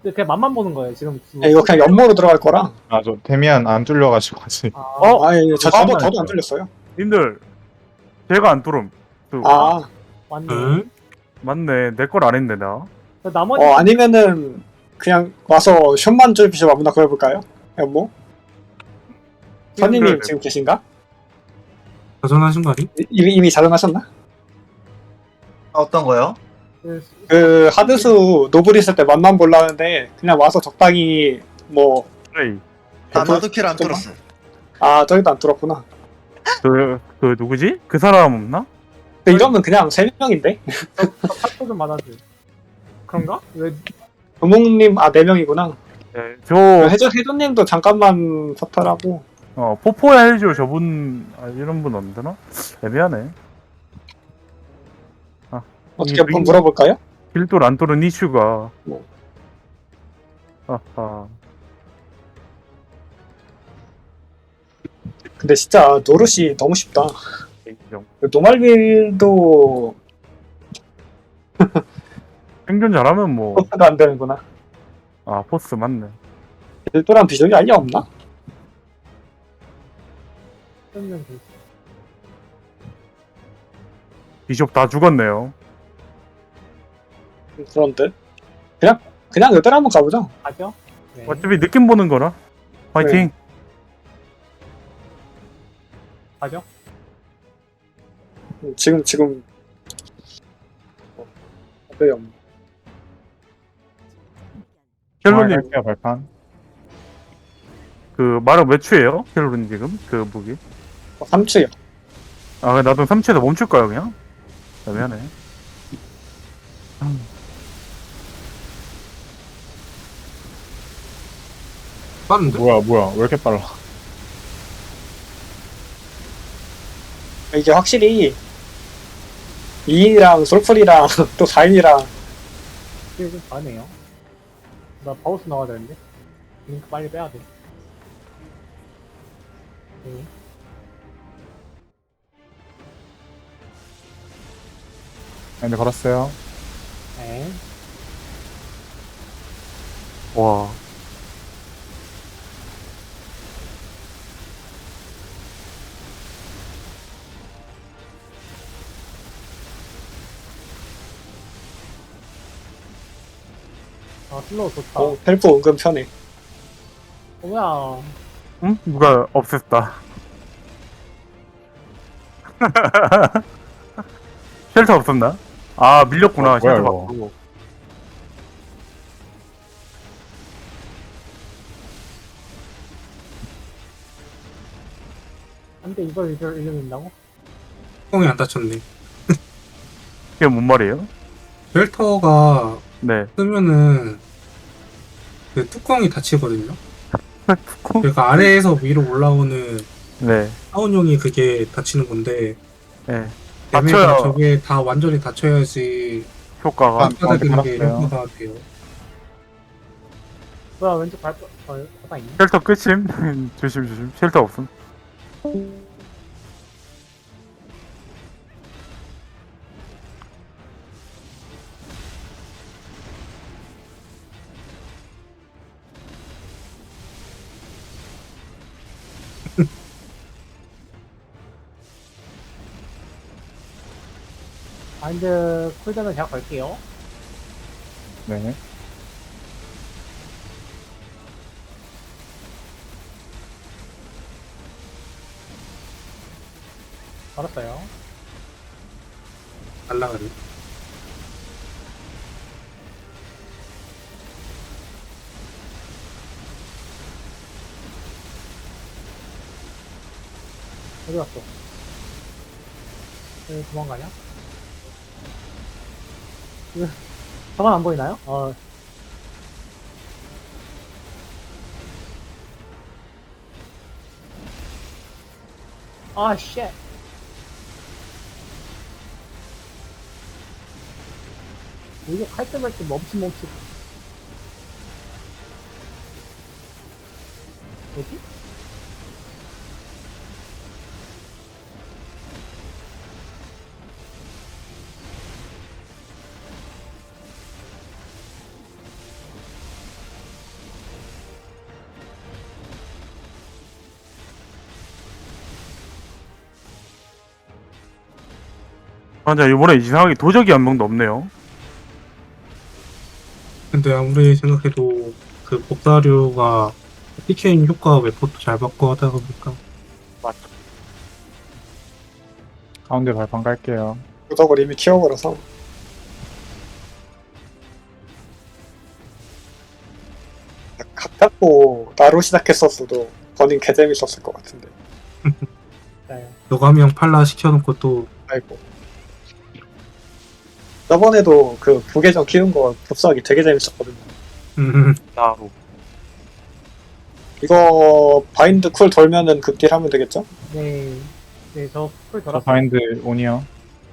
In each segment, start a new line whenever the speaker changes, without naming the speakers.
그냥 맛만 보는 거예요 지금.
야, 이거 그냥 연모로 들어갈 거라.
아, 저 데미안 안 뚫려가지고 아직.
아,
아니, 저도
잠깐만.
안 뚫렸어요.
님들 제가 안 뚫음.
아,
맞네.
응?
맞네. 내 걸 안 했네 나.
나머지
아니면은 그냥 와서 숏만 좀 비춰 아무나 구해볼까요? 연모? 선임님
그래.
지금 계신가?
도전하신 거 아니?
이미 자정하셨나?
어떤 거요?
그 하드수 노블 있을 때 맛만 보려는데 그냥 와서 적당히 뭐
플레이.
아, 나도 킬 안 뚫었어.
아 저기도 안 뚫었구나.
그 누구지? 그 사람 없나?
근데 이러면 그냥 3명인데?
탑도 좀 많아줘. 그런가? 왜
도목님 4명이구나.
네, 저
해조님도 잠깐만 서탈하고.
포포야 해줘 저분 이런 분 없나? 애매하네.
어떻게 한번 물어볼까요?
길돌 안 뚫은 이슈가.
뭐.
아하.
근데 진짜 노릇이 너무 쉽다.
인정.
노말빌도
생존 잘하면 뭐.
포스가 안 되는구나.
아 포스 맞네.
일도랑 비전이 아예 없나?
비숍 다 죽었네요.
그런데 그냥 여덟 한번 가보자.
가죠? 네.
어차피 느낌 보는 거라. 화이팅.
가죠?
지금 네, 없네.
켈로님
할게요, 발판.
그 말은 몇 추예요? 켈로님 지금 그 무기.
3추요.
아 나도 3추에서 멈출까요 그냥? 애매하네.
빠른데?
뭐야, 왜 이렇게 빨라?
이게 확실히 2인이랑 솔플이랑 또 4인이랑
이게 좀 다르네요. 나 바우스 나와야 되는데. 링크 빨리 빼야 돼. 네.
근데 걸었어요.
네.
와.
슬로우 좋다.
헬프 은근 편해.
뭐야.
응? 누가 없앴다. 쉘터 없었나? 아 밀렸구나.
뭐야,
쉘터
이거.
바꾸고.
근데 이걸 읽는다고?
뚜껑이 안 닫혔네.
그게 뭔 말이에요?
쉘터가
네.
쓰면은 그 뚜껑이 닫히거든요.
뚜껑?
그러니까 아래에서 위로 올라오는
네.
사운용이 그게 닫히는 건데
네.
얘네가
닫혀야
저게 다 완전히 닫혀야지
효과가.
받아들이는 게
알았어요.
효과가 돼요.
뭐야, 왼쪽 바닥 있네?
쉘터 끝임. 조심. 쉘터 없음.
마인드 쿨다운 제가 걸게요.
네.
걸었어요.
날라가네.
어디 갔어? 왜 도망가냐? 저건 안 보이나요? 아, 쉣. 이게 칼때 말때 멈칫. 뭐지?
맞아, 이번에 이상하게 도적이 한 명도 없네요.
근데 아무리 생각해도 그 복사류가 PK인 효과 웨포도 잘 받고 하다 보니까
맞죠.
가운데 발판 깔게요.
도덕을 이미 키워버려서. 각 잡고 나로 시작했었어도 버닝 개재밌었을 것 같은데.
네.
여가명 팔라 시켜놓고 또
아이고. 저번에도 그 부계정 키운 거 복사하기 되게 재밌었거든요.
나로.
이거 바인드 쿨 돌면은 극딜 하면 되겠죠?
네. 네, 저풀
저
돌았어요.
바인드 온이요.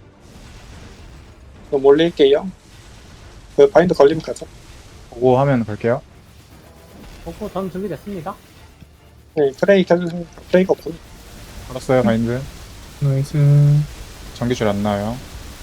그럼 올릴게요. 그 바인드 걸리면 가죠.
보고 하면 갈게요.
어, 전 준비됐습니다.
네, 프레이 켜주세요. 프레이가 없군.
걸었어요, 바인드.
나이스.
전기줄 안 나요.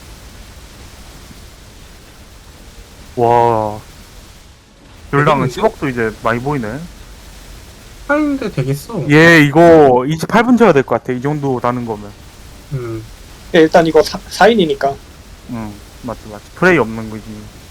와. 율당은
되겠는데?
10억도 이제 많이 보이네.
하는데 되겠어.
얘 이거 28분 쳐야 될 것 같아. 이 정도 다는 거면.
네, 일단 이거 4인이니까.
응, 맞지. 프레이 없는 거지.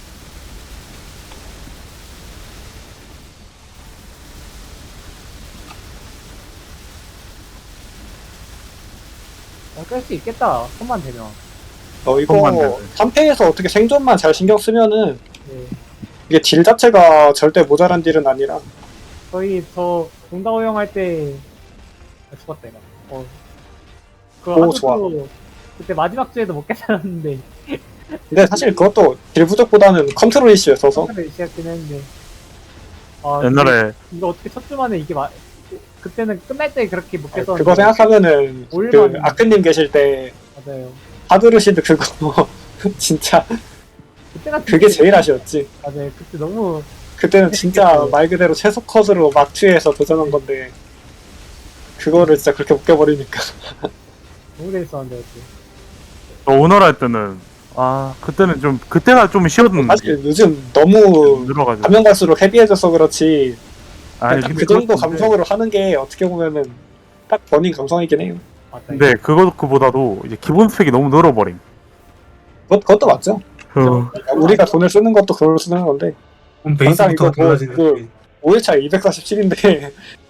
깰 수 있겠다. 손만 대면.
이거
손만 대네.
3패에서 어떻게 생존만 잘 신경 쓰면은
네.
이게 딜 자체가 절대 모자란 딜은 아니라
저희 저 동다호영 할 때 죽었다 이거. 그
오,
하드도
좋아.
그때 마지막 주에도 못 깨달았는데
근데 사실 그것도 딜 부족보다는 컨트롤 이슈였어서
처음에 시작긴 했는데. 아,
옛날에
이거 어떻게 첫 주만에 이게 그때는 끝날 때 그렇게 못 깨서
그거 생각하면은 그
올만-
아크님 계실 때
맞아요.
하드루시드 그거 진짜
그때가
그게 제일 아쉬웠지.
맞아요. 그때 너무
그때는 진짜 말 그대로 최소 컷으로 막투에서 도전한 건데 그거를 진짜 그렇게 웃겨버리니까
너무 재밌었는데 그때.
저 오너라 할 때는 그때는 좀 그때가 좀 쉬웠는데
사실 요즘 너무
늘어가지고.
가면 갈수록 헤비해져서 그렇지
아니
딱
근데
그 정도
그것도
감성으로 하는 게 어떻게 보면은 딱 버닝 감성이긴 해요.
맞다.
근데 그거보다도 이제 기본 스펙이 너무 늘어버림.
그것도 맞죠.
그
우리가 돈을 쓰는 것도 그걸 쓰는 건데
그럼
항상 이거
베이스부터
뭐,
달라지는
5일차 247인데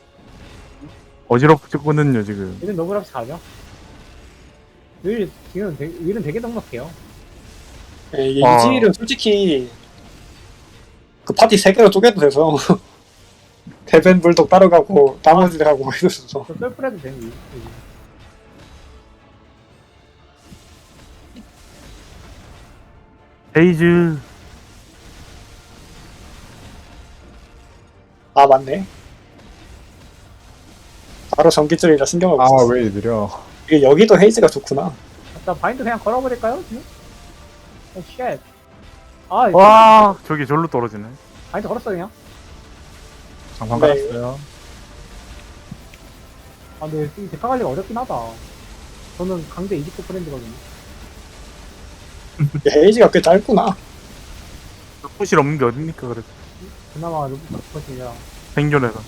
어지럽거든요 지금.
얘는 너무 그렇게 가죠. 윌은 되게 넉넉해요.
이
아.
이지일은 솔직히 그 파티 3개로 쪼개도 돼서 대벤 불독 따로 가고 나머지를 하고 해줘서
저 썰풀해도 되는 윌.
헤이즈
아 맞네. 바로 전기줄이라 신경을 못
아,
썼어.
왜 느려.
이게 여기도 헤이즈가 좋구나.
일단 바인드 그냥 걸어버릴까요? 지금? 쉣.
와 저기 절로 떨어지네.
바인드 걸었어 그냥.
장판
네.
깔았어요.
근데 이 데카 관리가 어렵긴 하다. 저는 강제 29 프렌드거든요.
헤이즈가 꽤 짧구나.
포실 없는 게 어딥니까 그래서
그나마 루프컷이라.
생존해서.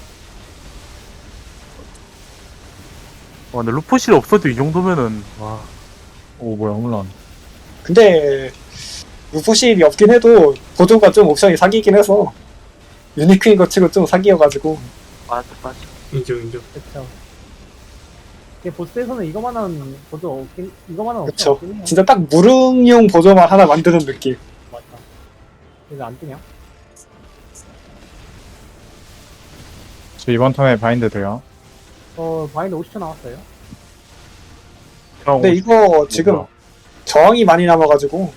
근데 루포실 없어도 이 정도면은 와.
오, 뭐야, 홈런.
근데 루포실이 없긴 해도 보조가 좀 옵션이 사기긴 해서 유니크인 거 치고 좀 사기여가지고
맞아.
인정.
그쵸. 이게 보스에서는 이거만한 보조 없긴, 이거만한
그쵸.
없긴 해요.
진짜 딱 무릉용 보조만 하나 만드는 느낌.
맞다. 그래서 안 뜨냐?
저 이번 턴에 바인드 돼요.
바인드 50초 나왔어요.
근데 이거 지금 저항이 많이 남아가지고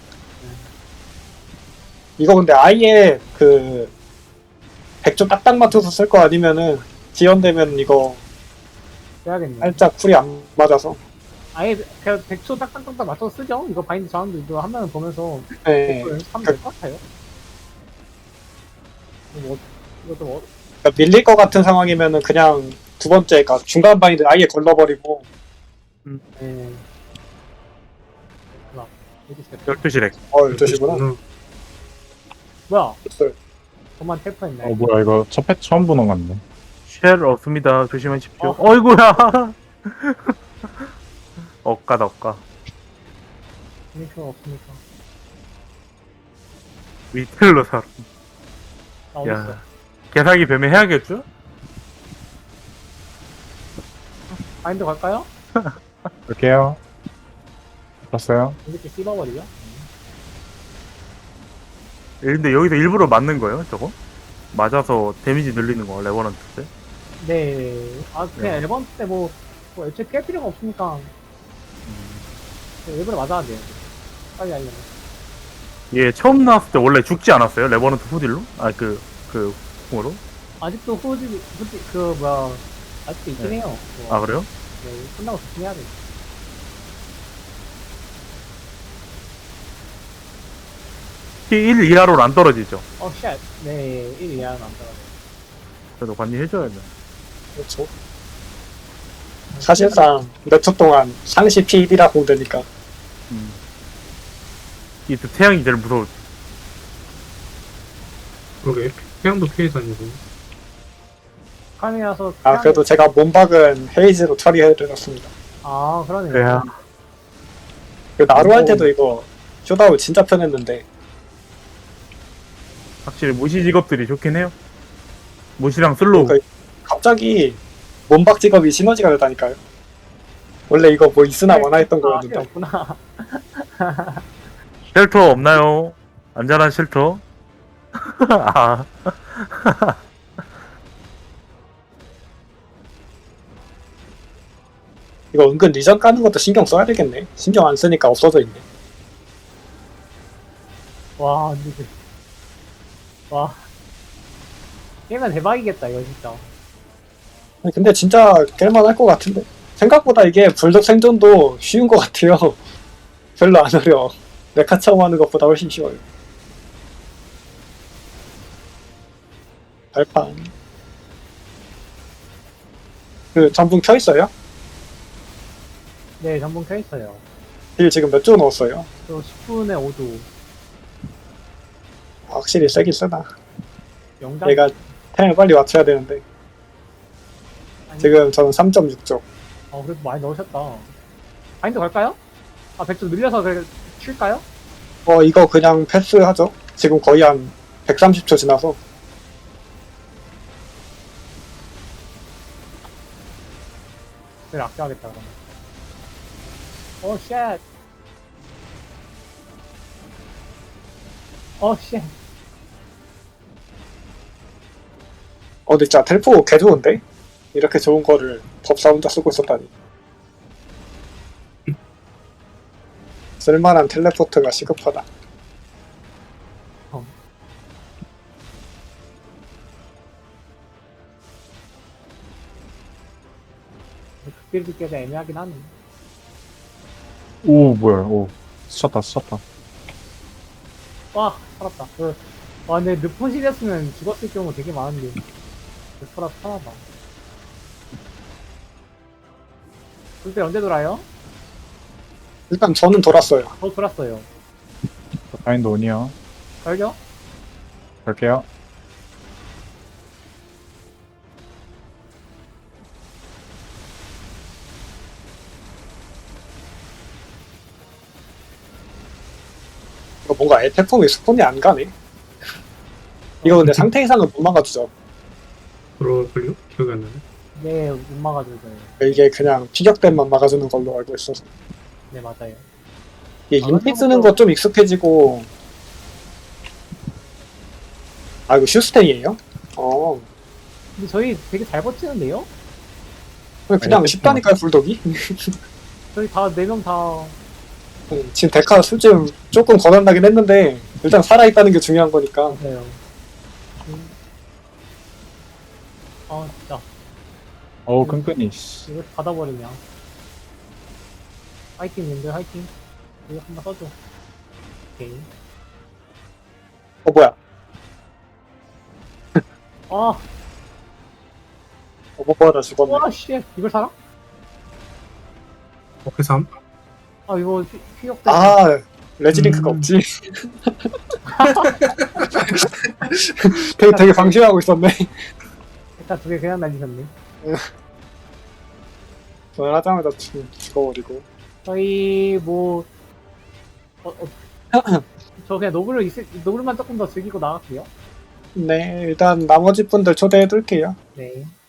이거 근데 아예 그 100조 딱딱 맞춰서 쓸 거 아니면은 지연되면 이거
빼야겠네.
살짝 쿨이 안 맞아서
아예 그냥 100초 딱딱딱딱 맞춰서 쓰죠? 이거 바인드 저항도 이거 하면 보면서
네.
하면 될 것 같아요. 이것도 뭐,
그러니까 밀릴 것 같은 상황이면은 그냥 두 번째가 중간 바인드 아예 걸러버리고
네. 하나, 여기 있어요.
12시래.
12시구나.
뭐야?
됐어요.
저만 텔퍼했네.
뭐야, 이거 첫 패 처음 보는 건데.
쉘 없습니다. 조심하십시오. 어이구야. 억까다.
유니크가 없으니까.
위텔로 사람.
나 어딨어?
야, 개사기 뱀에 해야겠죠?
바인드 갈까요?
볼게요. 봤어요?
이렇게 씹어버리죠?
근데 여기서 일부러 맞는 거예요, 저거? 맞아서 데미지 늘리는 거, 레버넌트 때?
네. 아, 그냥
네.
앨범 때 뭐 애초에 깰 필요가 없으니까. 일부러 맞아야 돼요. 빨리 알려면.
얘 처음 나왔을 때 원래 죽지 않았어요? 레버넌트 후딜로? 아, 궁으로?
아직도 아직도 있긴
네.
해요. 그거.
아, 그래요?
네, 끝나고 조심해야 돼.
T1 이하로는 안 떨어지죠?
쉣. 네, 1 이하는 안 떨어져.
그래도 관리해줘야 돼.
그렇죠. 사실상 몇 초 동안 상시 PD라고 되니까
이 태양이 제일 무서워.
그러게. 태양도 피해 다니고.
카미라서.
아 그래도 제가 몸박은 헤이즈로 처리해드렸습니다.
아, 그러네요.
그래야.
그 나루 할 때도 이거 쇼다운 진짜 편했는데
확실히 무시 직업들이 좋긴 해요. 무시랑 슬로우.
그러니까 갑자기 몸박 직업이 시너지가 되다니까요. 원래 이거 뭐 있으나 마나 했던
필요
거였는데
없구나.
쉘터 없나요? 안전한 쉘터? 아,
이거 은근 리전 까는 것도 신경 써야 되겠네. 신경 안 쓰니까 없어져 있네.
와, 근데 와. 게임은 대박이겠다, 이거 진짜.
근데 진짜 깰만할 것 같은데 생각보다 이게 불독 생존도 쉬운 것 같아요. 별로 안 어려워. 메카 처음 하는 것보다 훨씬 쉬워요. 발판 그 전분 켜있어요?
네, 전분 켜있어요.
딜 지금 몇 조 넣었어요?
저 10분에 5도.
확실히 세긴 세다.
영장.
얘가 템을 빨리 맞춰야 되는데 지금 저는 3.6조.
그래도 많이 넣으셨다. 바인드 갈까요? 아, 100조 늘려서 그래, 칠까요?
이거 그냥 패스하죠. 지금 거의 한 130초 지나서
그래, 아껴야겠다, 그러면. 쉣. 쉣.
근데 진짜 텔포 개 좋은데? 이렇게 좋은 거를 법사 혼자 쓰고 있었다니. 쓸만한 텔레포트가 시급하다.
극딜 듣기가 애매하긴 하네.
오, 뭐야, 오. 스쳤다.
와, 살았다. 근데 르포실이었으면 죽었을 경우 되게 많은데. 르포라서 살아봐. 그때 언제 돌아요?
일단 저는 돌았어요.
돌았어요.
바인드 온이요.
알죠?
볼게요.
이거 뭔가 에테폼이 스폰이 안 가네. 이거 근데 상태 이상은 못 막아주죠.
그럴걸요? 기억이 안 나네.
네, 못 막아줘요.
이게 그냥 피격대만 막아주는 걸로 알고 있어서.
네, 맞아요.
이게 인피 쓰는 거 좀 익숙해지고. 아 이거 슈스텐이에요?
근데 저희 되게 잘 버티는데요?
그냥 쉽다니까요 불독이.
저희 다, 4명 다.
지금 데카 수준 조금 거난나긴 했는데 일단 살아있다는 게 중요한 거니까.
맞아요. 진짜.
어우, 끈끈이, 씨.
이거 받아버리냐. 화이팅, 님들, 화이팅. 이거 한번 써줘. 오케이.
뭐야. 뭐하다 죽었네.
씨. 이걸 살아?
회삼?
이거 피격대.
레지링크가 없지. 되게 방심하고 있었네.
일단 2개 그냥 날리셨네.
저는 하자마자 죽어버리고.
저희 저 그냥 노블만 조금 더 즐기고 나갈게요.
네, 일단 나머지 분들 초대해둘게요.
네.